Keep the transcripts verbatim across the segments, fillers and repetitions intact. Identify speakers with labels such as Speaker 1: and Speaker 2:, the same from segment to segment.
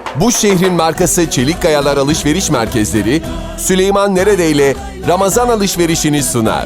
Speaker 1: Bu şehrin markası Çelik Kayalar Alışveriş Merkezleri, Süleyman Neredeyle Ramazan alışverişini sunar.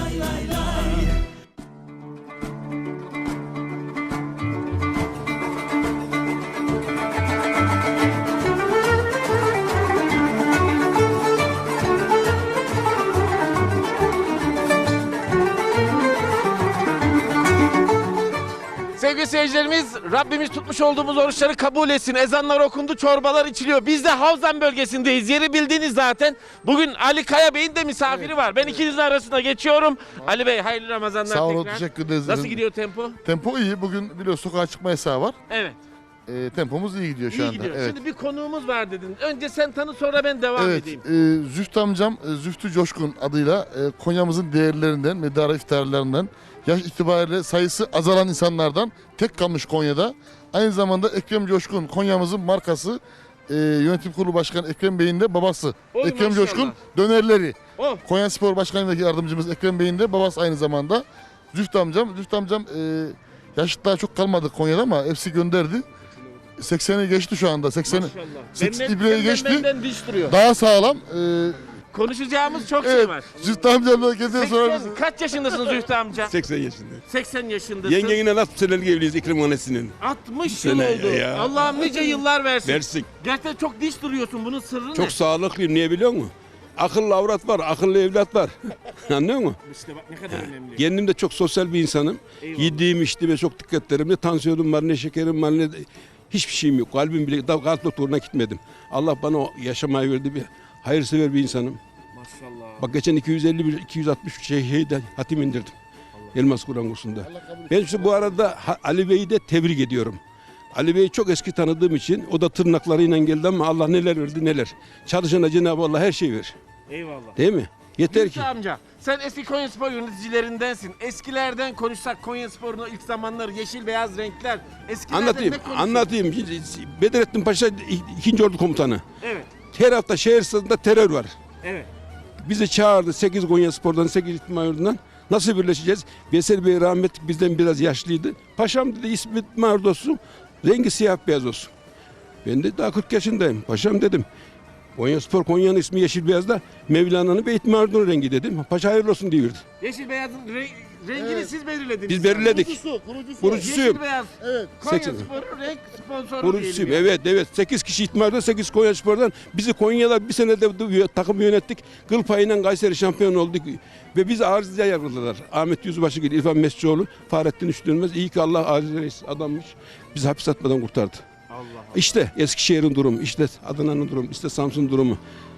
Speaker 2: Sevgili seyircilerimiz, Rabbimiz tutmuş olduğumuz oruçları kabul etsin. Ezanlar okundu, çorbalar içiliyor. Biz de Havzan bölgesindeyiz. Yeri bildiğiniz zaten. Bugün Ali Kaya Bey'in de misafiri var. Ben ikinizin arasında geçiyorum. Ali Bey, hayırlı Ramazanlar
Speaker 3: Sağ olun,
Speaker 2: tekrar.
Speaker 3: teşekkür ederiz.
Speaker 2: Nasıl gidiyor tempo?
Speaker 3: Tempo iyi. Bugün biliyorsun sokağa çıkma yasağı var.
Speaker 2: Evet.
Speaker 3: E, tempomuz iyi gidiyor şu
Speaker 2: İyi
Speaker 3: anda.
Speaker 2: gidiyor.
Speaker 3: Evet.
Speaker 2: Şimdi bir konuğumuz var dedin. Önce sen tanı, sonra ben devam
Speaker 3: Evet,
Speaker 2: edeyim.
Speaker 3: e, Zühtü amcam, e, Zühtü Coşkun adıyla e, Konya'mızın değerlerinden, medara iftarlarından, yaş itibariyle sayısı azalan insanlardan tek kalmış Konya'da. Aynı zamanda Ekrem Coşkun, Konya'mızın markası, e, yönetim kurulu başkanı Ekrem Bey'in de babası.
Speaker 2: Oy,
Speaker 3: Ekrem
Speaker 2: maşallah.
Speaker 3: Coşkun dönerleri.
Speaker 2: Oh.
Speaker 3: Konya Spor Başkanı'ndaki yardımcımız Ekrem Bey'in de babası aynı zamanda. Zühtü amcam, Zühtü amcam e, yaşıtlar çok kalmadı Konya'da ama hepsi gönderdi. sekseni geçti şu anda. sekseni
Speaker 2: Maşallah.
Speaker 3: seksen
Speaker 2: Benden,
Speaker 3: ibreyi
Speaker 2: senden
Speaker 3: geçti.
Speaker 2: benden diş duruyor.
Speaker 3: Daha sağlam. Ee,
Speaker 2: Konuşacağımız çok şey
Speaker 3: evet.
Speaker 2: var.
Speaker 3: Zühtü amcamla geziyor sonra
Speaker 2: seksen, kaç yaşındasın Zühtü amca?
Speaker 4: seksen yaşında.
Speaker 2: seksen yaşındasın.
Speaker 4: Yengeyle nasıl senelik evliyiz İkrim annesinin?
Speaker 2: altmış yıl
Speaker 4: Sene
Speaker 2: oldu.
Speaker 4: ya.
Speaker 2: Allah'ım nice yıllar versin.
Speaker 4: Versin.
Speaker 2: Gerçekten çok diş duruyorsun. Bunun sırrı ne?
Speaker 4: Çok sağlıklıyım, niye biliyor musun? Akıllı avrat var, akıllı evlat var. Anlıyor musun?
Speaker 2: İşte bak ne kadar önemli.
Speaker 4: Kendim de çok sosyal bir insanım.
Speaker 2: Eyvallah.
Speaker 4: Yediğim içtiğime çok dikkat ederim. Ne tansiyonum var, ne şekerim var, ne hiçbir şeyim yok. Kalbim bile, daha kalp doktoruna gitmedim. Allah bana o yaşamayı verdi, bir hayırsever bir insanım.
Speaker 2: Maşallah.
Speaker 4: Bak geçen iki yüz elli bir iki yüz altmış şey şeyde hatim indirdim. Elmas Kur'an kursunda. Ben işte bu arada Ha- Ali Bey'i de tebrik ediyorum. Ali Bey'i çok eski tanıdığım için o da tırnaklarıyla geldi ama Allah neler verdi neler. Çalışana Cenab-ı Allah her şeyi verir.
Speaker 2: Eyvallah.
Speaker 4: Değil mi? Yeter
Speaker 2: Zühtü
Speaker 4: ki.
Speaker 2: amca, sen eski Konyaspor yöneticilerindensin. Eskilerden konuşsak Konyaspor'un o ilk zamanları, yeşil beyaz renkler. Eskilerden
Speaker 4: Anlatayım,
Speaker 2: ne konuşuyorsun?
Speaker 4: anlatayım. Bedrettin Paşa ikinci Ordu Komutanı.
Speaker 2: Evet,
Speaker 4: Her hafta şehir sınırında terör var.
Speaker 2: evet.
Speaker 4: Bizi çağırdı sekiz Konyaspor'dan, sekiz İtman Yurdu'ndan. Nasıl birleşeceğiz? Veysel Bey rahmetli bizden biraz yaşlıydı. Paşam dedi ismi İtman Yurdu olsun, rengi siyah beyaz olsun. Ben de daha kırk yaşındayım. Paşam dedim. Konyaspor, Konya'nın ismi yeşil beyazda, Mevlana'nın ve İtman Yurdu'nun rengi dedim. Paşa hayırlı olsun diyordu.
Speaker 2: Yeşil beyazın re- rengini
Speaker 3: Evet.
Speaker 2: siz belirlediniz.
Speaker 4: Biz belirledik.
Speaker 3: Kurucusu, kurucusu.
Speaker 4: Kurucusuyum.
Speaker 2: Yeşil beyaz.
Speaker 3: Evet.
Speaker 4: seksen.
Speaker 2: Konyaspor'un renk sponsoru
Speaker 4: Kurucusuyum.
Speaker 2: diyelim yani.
Speaker 4: Evet evet. sekiz kişi İtmar'da, sekiz Konyaspor'dan. Bizi Konya'da bir senede de takım yönettik. Kıl payıyla Kayseri şampiyon olduk. Ve bizi arızaya yargıladılar. Ahmet Yüzbaşı gibi, İrfan Mescioğlu, Fahrettin Üçdönmez. İyi ki Allah aziz reis adammış. Bizi hapis atmadan kurtardı.
Speaker 2: Allah Allah.
Speaker 4: İşte Eskişehir'in durumu, işte Adana'nın durumu, işte Samsun durumu.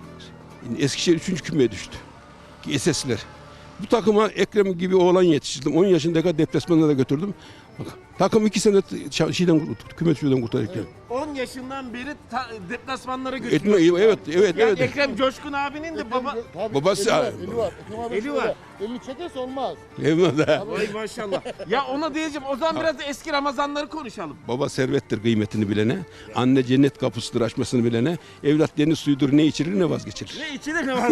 Speaker 4: Eskişehir üçüncü kümeye düştü. Esesler. Bu takıma Ekrem gibi oğlan yetiştirdim. on yaşındaki deplasmanlara götürdüm. Bak, takım iki sene ç- şeyden küme düşüyordan kurtardı Ekrem.
Speaker 2: on yaşından beri ta- deplasmanlara
Speaker 4: Etme,
Speaker 2: götürüyor.
Speaker 4: evet, evet,
Speaker 2: Yani
Speaker 4: evet.
Speaker 2: Ekrem Coşkun abinin de baba...
Speaker 3: Tabii,
Speaker 4: Babası-
Speaker 3: eli var, eli var. Ekrem abi
Speaker 2: Eli
Speaker 3: şöyle,
Speaker 2: var.
Speaker 3: Elini çekerse olmaz.
Speaker 4: Eyvallah.
Speaker 2: Vay maşallah. Ya ona diyeceğim, o zaman biraz da eski Ramazanları konuşalım.
Speaker 4: Baba servettir kıymetini bilene, anne cennet kapısıdır açmasını bilene, evlat deniz suyudur ne içirir ne vazgeçirir.
Speaker 2: Ne içilir ne var?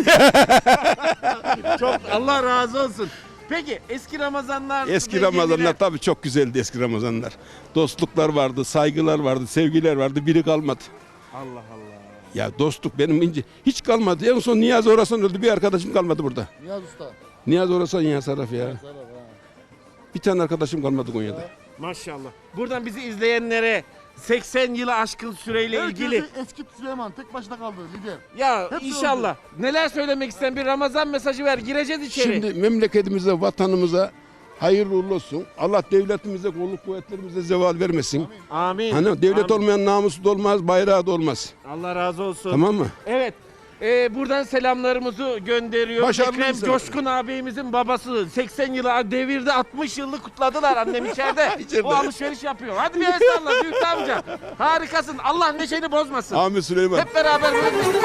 Speaker 2: Çok Allah razı olsun. Peki eski Ramazanlar...
Speaker 4: Eski Ramazanlar tabii çok güzeldi eski Ramazanlar. Dostluklar vardı, saygılar vardı, sevgiler vardı, biri kalmadı.
Speaker 2: Allah Allah.
Speaker 4: Ya dostluk benim ince hiç kalmadı. En son Niyazi Orasan öldü, bir arkadaşım kalmadı burada.
Speaker 3: Niyaz Usta.
Speaker 4: Niyazi Orasan ya Saraf ya.
Speaker 3: Sarap, ha.
Speaker 4: Bir tane arkadaşım kalmadı Konya'da.
Speaker 2: Maşallah. Buradan bizi izleyenlere seksen yılı aşkın süreyle ilgili...
Speaker 3: Herkesi eski Süleyman tek başına kaldı lider.
Speaker 2: Ya
Speaker 3: Hepsi
Speaker 2: inşallah. Neler söylemek isteyen bir Ramazan mesajı ver. Gireceğiz içeri.
Speaker 4: Şimdi memleketimize, vatanımıza hayırlı uğurlu olsun. Allah devletimize, kolluk kuvvetlerimize zeval vermesin.
Speaker 2: Amin.
Speaker 4: Hani devlet
Speaker 2: Amin.
Speaker 4: olmayan namusu da olmaz, bayrağı da olmaz.
Speaker 2: Allah razı olsun.
Speaker 4: Tamam mı?
Speaker 2: Evet. Ee, buradan selamlarımızı gönderiyor.
Speaker 4: Başarılı
Speaker 2: Ekrem
Speaker 4: insan.
Speaker 2: Coşkun abimizin babası seksen yılı devirde altmış yıllık kutladılar annem içeride.
Speaker 4: İçeride.
Speaker 2: O alışveriş yapıyor. Hadi bir el salla Büyük amca. Harikasın. Allah neşeni bozmasın.
Speaker 4: Amin Süleyman.
Speaker 2: Hep beraber böyle...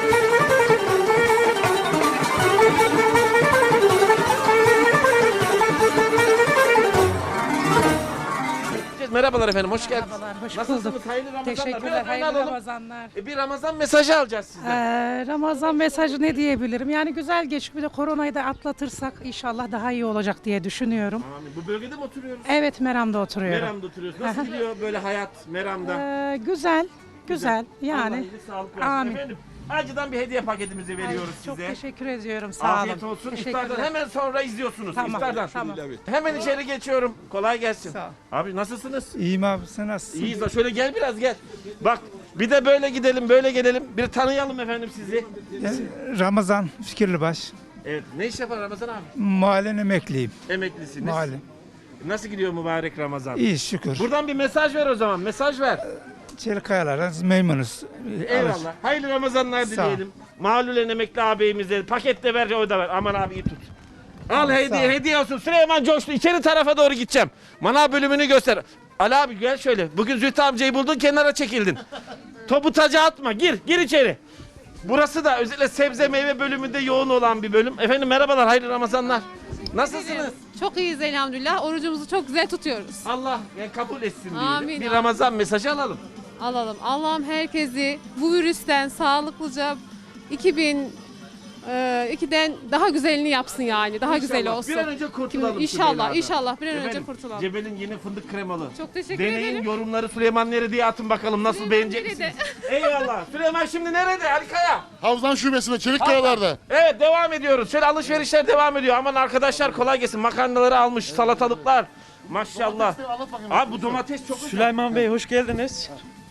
Speaker 2: Merhabalar efendim, hoş geldiniz.
Speaker 5: Merhabalar, hoş
Speaker 2: Nasılsınız?
Speaker 5: bulduk.
Speaker 2: Hayırlı Ramazanlar.
Speaker 5: Teşekkürler,
Speaker 2: Biraz
Speaker 5: hayırlı
Speaker 2: oynayalım.
Speaker 5: Ramazanlar.
Speaker 2: E, Bir Ramazan mesajı alacağız sizden.
Speaker 5: Ee, Ramazan mesajı ne diyebilirim? Yani güzel geçip bir de koronayı da atlatırsak inşallah daha iyi olacak diye düşünüyorum.
Speaker 2: Amin. Bu bölgede mi oturuyoruz?
Speaker 5: Evet, Meram'da oturuyorum.
Speaker 2: Meram'da oturuyoruz. Nasıl gidiyor böyle hayat Meram'da?
Speaker 5: Ee, güzel. Güzel, yani.
Speaker 2: Allah iyilik, sağlık versin.
Speaker 5: Amin.
Speaker 2: Efendim, acıdan bir hediye paketimizi veriyoruz
Speaker 5: Çok
Speaker 2: size.
Speaker 5: teşekkür ediyorum. Sağ olun.
Speaker 2: Afiyet olsun.
Speaker 5: Teşekkürler.
Speaker 2: İftardan hemen sonra izliyorsunuz.
Speaker 5: Tamam,
Speaker 2: İftardan.
Speaker 5: tamam.
Speaker 2: Hemen içeri geçiyorum. Kolay gelsin.
Speaker 6: Sağ ol.
Speaker 2: Abi nasılsınız?
Speaker 6: İyiyim abi, sen nasılsın?
Speaker 2: İyiyiz. da Şöyle gel biraz gel. Bak bir de böyle gidelim böyle gelelim. Bir tanıyalım efendim sizi.
Speaker 6: Ramazan Fikirlibaş.
Speaker 2: Evet. Ne iş yapar Ramazan abi?
Speaker 6: Mahallen emekliyim.
Speaker 2: Emeklisiniz.
Speaker 6: Mahalle.
Speaker 2: Nasıl gidiyor mübarek Ramazan?
Speaker 6: İyi şükür.
Speaker 2: Buradan bir mesaj ver o zaman. Mesaj ver.
Speaker 6: Çelikayalara memnunuz.
Speaker 2: Eyvallah. Hayırlı Ramazanlar
Speaker 6: Sağ ol.
Speaker 2: dileyelim. Mahallulen emekli ağabeyimize paket de ver o da ver. Aman abi iyi tut. Al
Speaker 6: Sağ
Speaker 2: hediye
Speaker 6: ol.
Speaker 2: hediye olsun. Süleyman coştu. İçeri tarafa doğru gideceğim. Manav bölümünü göster. Ali abi gel şöyle. Bugün Zühtü amcayı buldun kenara çekildin. Topu taca atma. Gir. Gir içeri. Burası da özellikle sebze meyve bölümünde yoğun olan bir bölüm. Efendim merhabalar. Hayırlı Ramazanlar. Nasılsınız?
Speaker 7: Çok iyiyiz elhamdülillah. Orucumuzu çok güzel tutuyoruz.
Speaker 2: Allah yani kabul etsin diyelim.
Speaker 7: Amin,
Speaker 2: Bir
Speaker 7: amin.
Speaker 2: Ramazan mesajı alalım.
Speaker 7: Alalım. Allah'ım herkesi bu virüsten sağlıklıca iki bin ikiden daha güzelini yapsın yani. Daha güzel
Speaker 2: İnşallah.
Speaker 7: olsun.
Speaker 2: Bir an önce kurtulalım. şu
Speaker 7: İnşallah,
Speaker 2: beladan.
Speaker 7: inşallah bir an önce
Speaker 2: Efendim,
Speaker 7: kurtulalım.
Speaker 2: Cebel'in yeni fındık kremalı.
Speaker 7: Çok teşekkür
Speaker 2: Deneyin
Speaker 7: ederim.
Speaker 2: yorumları Süleyman nerede atın bakalım nasıl
Speaker 7: Süleyman
Speaker 2: beğenecek
Speaker 7: nerede?
Speaker 2: misiniz? Eyvallah. Süleyman şimdi nerede? Ali Kaya.
Speaker 3: Havzan şubesinde Çelikkayalar'da.
Speaker 2: Evet devam ediyoruz. Şöyle alışverişler devam ediyor. Aman arkadaşlar kolay gelsin. Makarnaları almış, salatalıklar. Maşallah. Abi bu domates çok güzel.
Speaker 8: Süleyman Bey hoş geldiniz.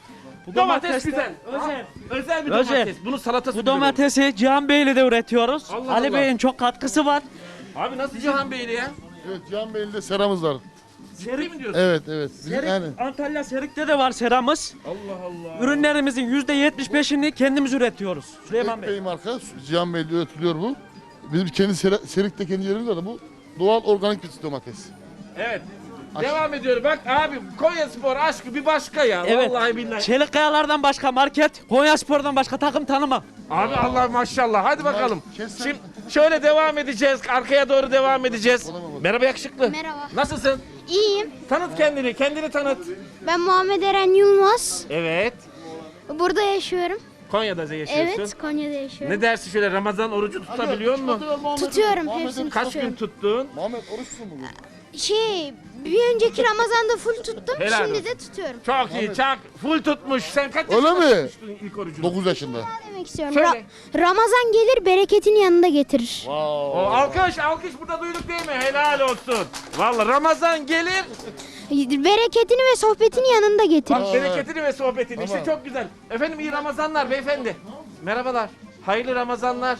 Speaker 8: Bu
Speaker 2: Domates
Speaker 8: domates de
Speaker 2: güzel.
Speaker 8: özel.
Speaker 2: Özel bir
Speaker 8: Özel.
Speaker 2: domates. Bunun salatası
Speaker 8: Bu
Speaker 2: güzel olur.
Speaker 8: domatesi Cihan Bey'le de üretiyoruz.
Speaker 2: Allah
Speaker 8: Ali
Speaker 2: Allah.
Speaker 8: Bey'in çok katkısı var.
Speaker 2: Abi nasıl Cihan Beyli ya?
Speaker 3: Evet, Cihan Bey'in de seramız var.
Speaker 2: Ciddi mi diyorsun?
Speaker 3: Evet, evet. Bizim
Speaker 8: Serik,
Speaker 3: yani
Speaker 8: Antalya Serik'te de var seramız.
Speaker 2: Allah Allah.
Speaker 8: Ürünlerimizin yüzde yetmiş beşini kendimiz üretiyoruz. Süleyman
Speaker 3: Tek
Speaker 8: Bey.
Speaker 3: Bey marka, Cihan Bey'de üretiliyor bu. Bizim kendi Ser- Serik'te kendi yerimiz var da bu doğal organik bir domates.
Speaker 2: Evet. Devam ediyor. Bak abi Konya Spor aşkı bir başka ya.
Speaker 8: Evet.
Speaker 2: Vallahi billahi.
Speaker 8: Çelikkayalardan başka market, Konyaspor'dan başka takım tanımam.
Speaker 2: Abi Allah maşallah. Hadi bakalım.
Speaker 3: kessen-
Speaker 2: Şimdi şöyle devam edeceğiz. Arkaya doğru devam edeceğiz. Merhaba yakışıklı.
Speaker 9: Merhaba.
Speaker 2: Nasılsın?
Speaker 9: İyiyim.
Speaker 2: Tanıt kendini. Kendini tanıt.
Speaker 9: Ben Muhammed Eren Yılmaz.
Speaker 2: Evet.
Speaker 9: Burada yaşıyorum.
Speaker 2: Konya'da yaşıyorsun.
Speaker 9: Evet, Konya'da yaşıyorum.
Speaker 2: Ne dersin şöyle Ramazan orucu tutabiliyor musun?
Speaker 9: Tutuyorum, hepsini
Speaker 2: Kaç gün
Speaker 9: tutuyorum.
Speaker 2: tuttun?
Speaker 3: Muhammed oruçsun bugün.
Speaker 9: Şey, bir önceki Ramazan'da full tuttum,
Speaker 2: Helal
Speaker 9: şimdi
Speaker 2: olsun.
Speaker 9: de tutuyorum.
Speaker 2: Çok iyi. Çok full tutmuş. Sen kaç
Speaker 3: Öyle
Speaker 2: yaşında
Speaker 3: mi?
Speaker 2: tutmuştun ilk orucunu?
Speaker 3: dokuz yaşında.
Speaker 9: Ne demek istiyorum?
Speaker 2: Söyle.
Speaker 9: Ra- Ramazan gelir, bereketini yanında getirir.
Speaker 2: O alkış alkış burada duyduk değil mi? Helal olsun. Vallahi Ramazan gelir.
Speaker 9: Bereketini ve sohbetini yanında getirir.
Speaker 2: Bak bereketini ve sohbetini. İşte çok güzel. Efendim iyi Ramazanlar beyefendi. Merhabalar. Hayırlı Ramazanlar.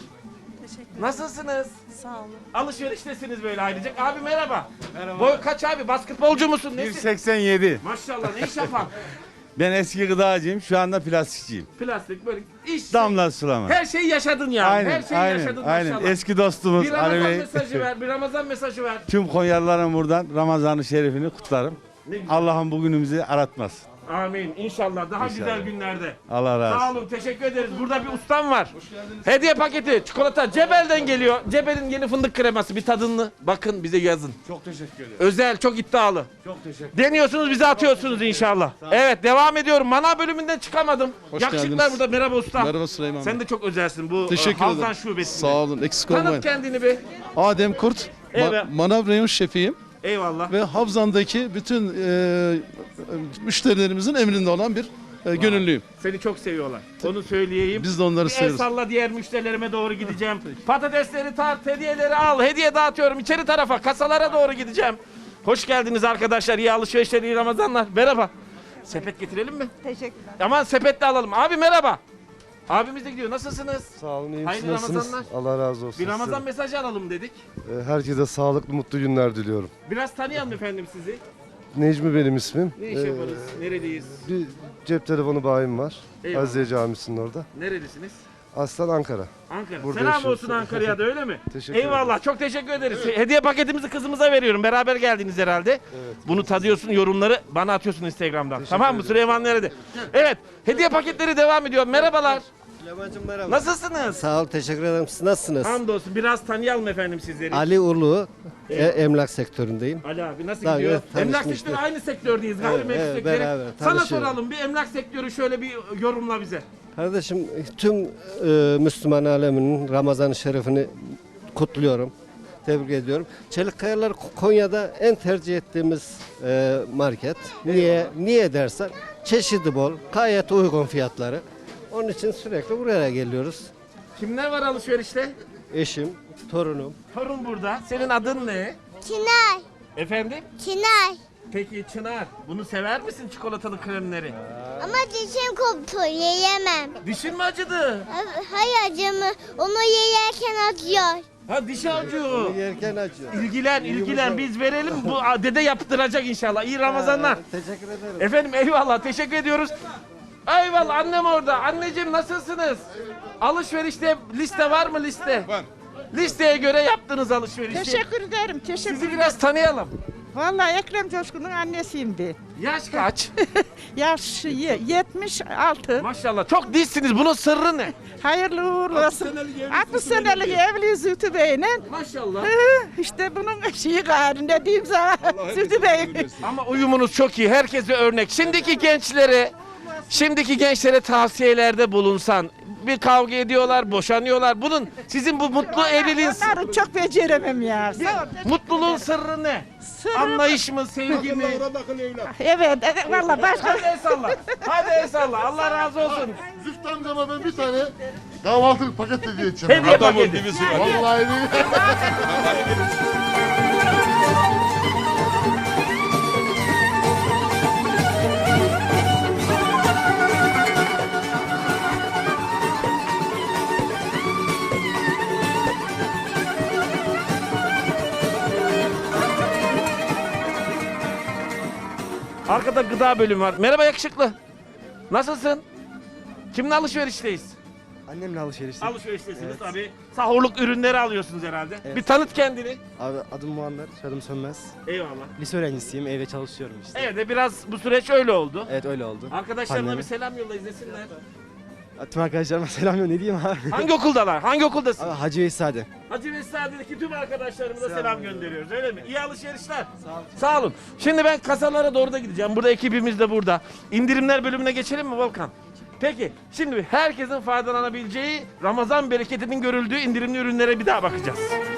Speaker 2: Nasılsınız?
Speaker 5: Sağ olun.
Speaker 2: Alışveriştesiniz böyle ailecek. Abi merhaba. Merhaba. Boy kaç abi? Basketbolcu musun? Nesin?
Speaker 10: bir seksen yedi.
Speaker 2: Maşallah ne iş yapan?
Speaker 10: Ben eski gıdacıyım, şu anda plastikçiyim.
Speaker 2: Plastik böyle iş.
Speaker 10: Damla sulama.
Speaker 2: Her şeyi yaşadın yani.
Speaker 10: Aynen,
Speaker 2: Her şeyi
Speaker 10: aynen,
Speaker 2: yaşadın
Speaker 10: aynen.
Speaker 2: maşallah.
Speaker 10: Eski dostumuz
Speaker 2: Bir
Speaker 10: Ali
Speaker 2: Ramazan
Speaker 10: Bey.
Speaker 2: mesajı ver. Bir Ramazan mesajı ver.
Speaker 10: Tüm Konyalıların buradan Ramazan-ı Şerif'ini kutlarım.
Speaker 2: Ne güzel.
Speaker 10: Allah'ın bugünümüzü aratmasın.
Speaker 2: Amin. İnşallah daha güzel
Speaker 10: İnşallah.
Speaker 2: günlerde.
Speaker 10: Allah razı
Speaker 2: Sağ
Speaker 10: olsun.
Speaker 2: olun. Teşekkür ederiz. Burada bir ustam var. Hediye paketi, çikolata Cebel'den geliyor. Cebel'in yeni fındık kreması. Bir tadını bakın bize yazın.
Speaker 10: Çok teşekkür ederim.
Speaker 2: Özel, çok iddialı.
Speaker 10: Çok teşekkür
Speaker 2: Deniyorsunuz bize atıyorsunuz inşallah. Evet devam ediyorum. Manav bölümünden çıkamadım.
Speaker 11: Hoş
Speaker 2: Yakışıklar
Speaker 11: geldiniz.
Speaker 2: burada. Merhaba usta.
Speaker 11: Merhaba Süleyman
Speaker 2: Sen
Speaker 11: Bey.
Speaker 2: de çok özelsin bu
Speaker 11: Teşekkür
Speaker 2: e, Havzan
Speaker 11: ederim.
Speaker 2: şubesinde.
Speaker 11: Sağ olun, eksik olmayın.
Speaker 2: Tanıt kendini bir.
Speaker 11: Adem Kurt,
Speaker 2: Evet.
Speaker 11: ma- Manav Reyon Şefiyim
Speaker 2: Eyvallah.
Speaker 11: ve Havzan'daki bütün e, müşterilerimizin emrinde olan bir e, gönüllüyüm.
Speaker 2: Seni çok seviyorlar. Onu söyleyeyim.
Speaker 11: Biz de onları
Speaker 2: Bir el
Speaker 11: seviyoruz.
Speaker 2: salla diğer müşterilerime doğru gideceğim. Patatesleri tart, hediyeleri al. Hediye dağıtıyorum içeri tarafa, kasalara doğru gideceğim. Hoş geldiniz arkadaşlar. İyi alışverişler, iyi Ramazanlar. Merhaba. Sepet getirelim mi?
Speaker 5: Teşekkürler.
Speaker 2: Aman sepetle alalım. Abi merhaba. Abimiz de gidiyor. Nasılsınız?
Speaker 12: Sağ olun, iyi
Speaker 2: Hayırlı
Speaker 12: misiniz? Nasılsınız?
Speaker 2: Ramazanlar.
Speaker 12: Allah razı olsun.
Speaker 2: Bir Ramazan
Speaker 12: size.
Speaker 2: mesajı alalım dedik.
Speaker 12: Ee, Herkese sağlıklı, mutlu günler diliyorum.
Speaker 2: Biraz tanıyalım efendim sizi.
Speaker 12: Necmi benim ismim.
Speaker 2: Ne iş
Speaker 12: Ee,
Speaker 2: yaparız? Neredeyiz?
Speaker 12: Bir cep telefonu bayim var.
Speaker 2: Eyvallah.
Speaker 12: Azize Camisi'nin orada.
Speaker 2: Nerelisiniz?
Speaker 12: Aslan Ankara.
Speaker 2: Ankara.
Speaker 12: Burada
Speaker 2: Selam
Speaker 12: yaşıyoruz.
Speaker 2: olsun Ankara'ya da öyle mi?
Speaker 12: Teşekkür
Speaker 2: Eyvallah.
Speaker 12: ederiz.
Speaker 2: Çok teşekkür ederiz. Hediye paketimizi kızımıza veriyorum. Beraber geldiniz herhalde.
Speaker 12: Evet.
Speaker 2: Bunu tadıyorsun, yorumları bana atıyorsun Instagram'dan.
Speaker 12: Teşekkür
Speaker 2: Tamam mı?
Speaker 12: ederim.
Speaker 2: Süleyman nerede? Evet. Hediye paketleri devam ediyor. Merhabalar.
Speaker 13: Süleyman'cığım merhaba.
Speaker 2: Nasılsınız?
Speaker 13: Sağ ol, teşekkür ederim. Siz nasılsınız?
Speaker 2: Hamdolsun. Biraz tanıyalım efendim sizleri.
Speaker 13: Ali Ulu, e, emlak sektöründeyim.
Speaker 2: Ali abi nasıl
Speaker 13: Daha
Speaker 2: gidiyor?
Speaker 13: evet,
Speaker 2: Emlak
Speaker 13: tanışmıştık.
Speaker 2: sektörü aynı sektördeyiz. Gayrimenkul
Speaker 13: evet,
Speaker 2: sektörü.
Speaker 13: beraber
Speaker 2: Sana
Speaker 13: tanışıyoruz.
Speaker 2: soralım bir emlak sektörü şöyle bir yorumla bize.
Speaker 13: Kardeşim tüm e, Müslüman aleminin Ramazan-ı Şerif'ini kutluyorum. Tebrik ediyorum. Çelikkayalar Konya'da en tercih ettiğimiz e, market. Niye niye dersen Çeşidi bol, gayet uygun fiyatları. Onun için sürekli buraya geliyoruz.
Speaker 2: Kimler var alışverişte?
Speaker 13: Eşim, torunum.
Speaker 2: Torun burada. Senin adın ne?
Speaker 9: Çınar.
Speaker 2: Efendim?
Speaker 9: Çınar.
Speaker 2: Peki Çınar, bunu sever misin çikolatalı kremleri?
Speaker 9: Ama dişim koptu. Yiyemem.
Speaker 2: Dişin mi acıdı?
Speaker 9: Hayır acımı. Onu yerken acıyor.
Speaker 2: Ha dişi acıyor.
Speaker 13: Yerken acıyor.
Speaker 2: İlgilen, ilgilen. Biz verelim. Bu dede yaptıracak inşallah. İyi Ramazanlar.
Speaker 13: Teşekkür ederim.
Speaker 2: Efendim eyvallah. Teşekkür ediyoruz. Eyvallah annem orada. Anneciğim nasılsınız? Alışverişte liste var mı liste? Var. Listeye göre yaptınız alışverişi.
Speaker 5: Teşekkür ederim. Teşekkür
Speaker 2: Sizi biraz tanıyalım.
Speaker 5: Vallahi Ekrem Coşkun'un annesiyim ben.
Speaker 2: Yaş kaç?
Speaker 5: Yaş yetmiş altı.
Speaker 2: Maşallah. Çok dişsiniz. Bunun sırrı ne?
Speaker 5: Hayırlı uğurlu olsun. altmış senelik evli Zühtü Bey'le.
Speaker 2: Maşallah.
Speaker 5: İşte bunun şeyi gayrı ne diyeyim sana Zühtü Bey.
Speaker 2: Ama uyumunuz çok iyi. Herkese örnek. Şimdiki gençlere, şimdiki gençlere tavsiyelerde bulunsan. Bir kavga ediyorlar, boşanıyorlar. Bunun sizin bu mutlu evliliğin
Speaker 5: Onları çok beceremem ya. Sağ ol.
Speaker 2: mutluluğun sırrı ne?
Speaker 5: Sırrı-
Speaker 2: Anlayış mı, sevgi mi?
Speaker 5: Evet, evet valla başka.
Speaker 2: Hadi el salla. Hadi el salla. Allah razı olsun.
Speaker 3: Zühtü amcama ben bir tane kahvaltılık paket hediye edeceğim.
Speaker 2: Hediye paketi.
Speaker 3: Vallahi değil.
Speaker 2: Arkada gıda bölümü var. Merhaba yakışıklı. Nasılsın? Kimle alışverişteyiz?
Speaker 12: Annemle alışverişte.
Speaker 2: Alışveriştesiniz tabii. Sahurluk ürünleri alıyorsunuz herhalde. Bir tanıt kendini.
Speaker 12: Abi adım Muammer, soyadım Sönmez.
Speaker 2: Eyvallah.
Speaker 12: Lise öğrencisiyim, evde çalışıyorum işte.
Speaker 2: Evet de biraz bu süreç öyle oldu.
Speaker 12: Evet öyle oldu.
Speaker 2: Arkadaşlarına
Speaker 12: Anneme.
Speaker 2: bir selam yolla izlesinler.
Speaker 12: Tüm arkadaşlarıma selam ne diyeyim abi.
Speaker 2: Hangi okuldalar? Hangi okuldasın?
Speaker 12: Abi Hacı Veysade.
Speaker 2: Hacı Vesadi'deki tüm arkadaşlarımıza selam gönderiyoruz öyle mi? İyi alışverişler. Sağ olun. Sağ olun. Şimdi ben kasalara doğru da gideceğim. Burada ekibimiz de burada. İndirimler bölümüne geçelim mi Volkan? Peki şimdi herkesin faydalanabileceği Ramazan bereketinin görüldüğü indirimli ürünlere bir daha bakacağız.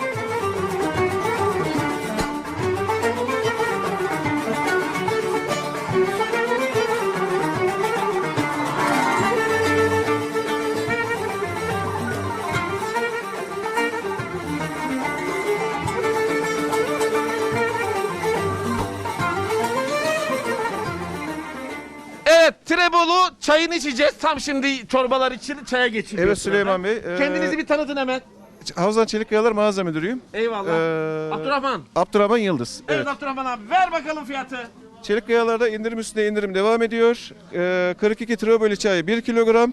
Speaker 2: Evet, Trebolu çayını içeceğiz. Tam şimdi çorbalar için çaya geçiliyor.
Speaker 14: Evet Süleyman Bey. e,
Speaker 2: Kendinizi bir tanıtın hemen.
Speaker 14: Havzan Çelik Kayalar Mağaza Müdürüyüm.
Speaker 2: Eyvallah.
Speaker 14: Ee,
Speaker 2: Abdurrahman.
Speaker 14: Abdurrahman Yıldız.
Speaker 2: Evet.
Speaker 14: Evet.
Speaker 2: Abdurrahman abi ver bakalım fiyatı.
Speaker 14: Çelik Kayalar'da indirim üstüne indirim devam ediyor. Ee, kırk iki Trebolu çayı bir kilogram.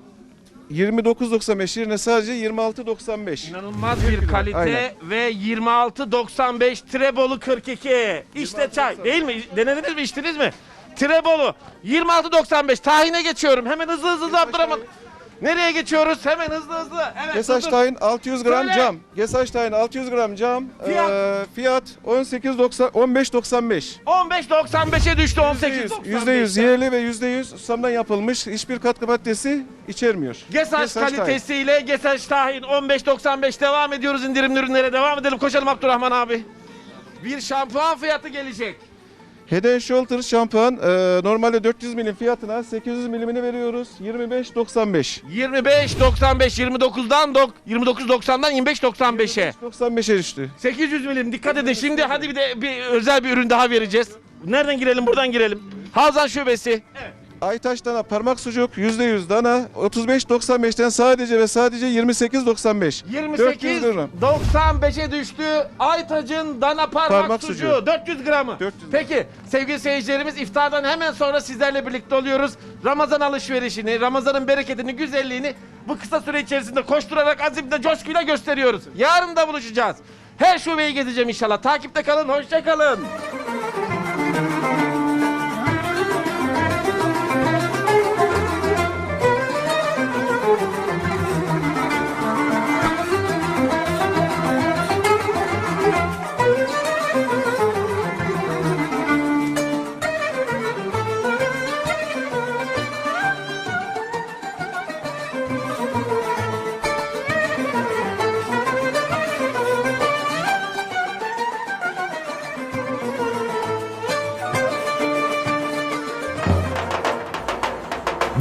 Speaker 14: yirmi dokuz doksan beş yerine sadece yirmi altı doksan beş.
Speaker 2: İnanılmaz bir kalite
Speaker 14: Aynen.
Speaker 2: ve yirmi altı doksan beş Trebolu kırk iki. İşte çay değil mi? Denediniz mi, içtiniz mi? Trebolu yirmi altı doksan beş. Tahine geçiyorum. Hemen hızlı hızlı hızlı Abdurrahman. Nereye geçiyoruz? Hemen hızlı hızlı. Evet.
Speaker 14: Gesaç
Speaker 2: dur, dur.
Speaker 14: tayin altı yüz gram
Speaker 2: Söyle.
Speaker 14: cam. Gesaç tayin altı yüz gram cam.
Speaker 2: Fiyat?
Speaker 14: Ee, fiyat on sekiz doksan on beş doksan beş.
Speaker 2: on beş doksan beşe düştü on sekiz doksan beş.
Speaker 14: yüzde yüz yerli ve yüzde yüz susamdan yapılmış. Hiçbir katkı maddesi içermiyor.
Speaker 2: Gesaç
Speaker 14: Gesaç tahin.
Speaker 2: kalitesiyle Gesaç tahin on beş doksan beş devam ediyoruz indirimli ürünlere devam edelim. Koşalım Abdurrahman abi. Bir şampuan fiyatı gelecek.
Speaker 14: Head and Shoulders şampuan e, normalde dört yüz milim fiyatına sekiz yüz milimini veriyoruz. yirmi beş doksan beş.
Speaker 2: yirmi beş doksan beş yirmi dokuzdan dok yirmi dokuz doksandan yirmi beş doksan beşe.
Speaker 14: doksan beşe düştü.
Speaker 2: sekiz yüz milim dikkat edin. Şimdi hadi bir de bir özel bir ürün daha vereceğiz. Nereden girelim? Buradan girelim. Havzan Şubesi. Evet.
Speaker 14: Aytaş dana parmak sucuk yüzde yüz dana otuz beş doksan beşten sadece ve sadece yirmi sekiz doksan beş.
Speaker 2: yirmi
Speaker 14: dört yüz
Speaker 2: sekiz
Speaker 14: gram.
Speaker 2: doksan beşe düştü. Aytac'ın dana parmak,
Speaker 14: Parmak
Speaker 2: sucuğu.
Speaker 14: sucuğu.
Speaker 2: dört yüz gramı.
Speaker 14: dört yüz
Speaker 2: Peki sevgili seyircilerimiz iftardan hemen sonra sizlerle birlikte oluyoruz. Ramazan alışverişini, Ramazan'ın bereketini, güzelliğini bu kısa süre içerisinde koşturarak azimle, coşkuyla gösteriyoruz. Yarın da buluşacağız. Her şubeyi gezeceğim inşallah. Takipte kalın, hoşça kalın.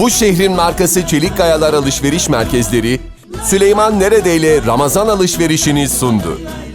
Speaker 1: Bu şehrin markası Çelik Kayalar Alışveriş Merkezleri, Süleyman Neredeyle Ramazan alışverişini sundu.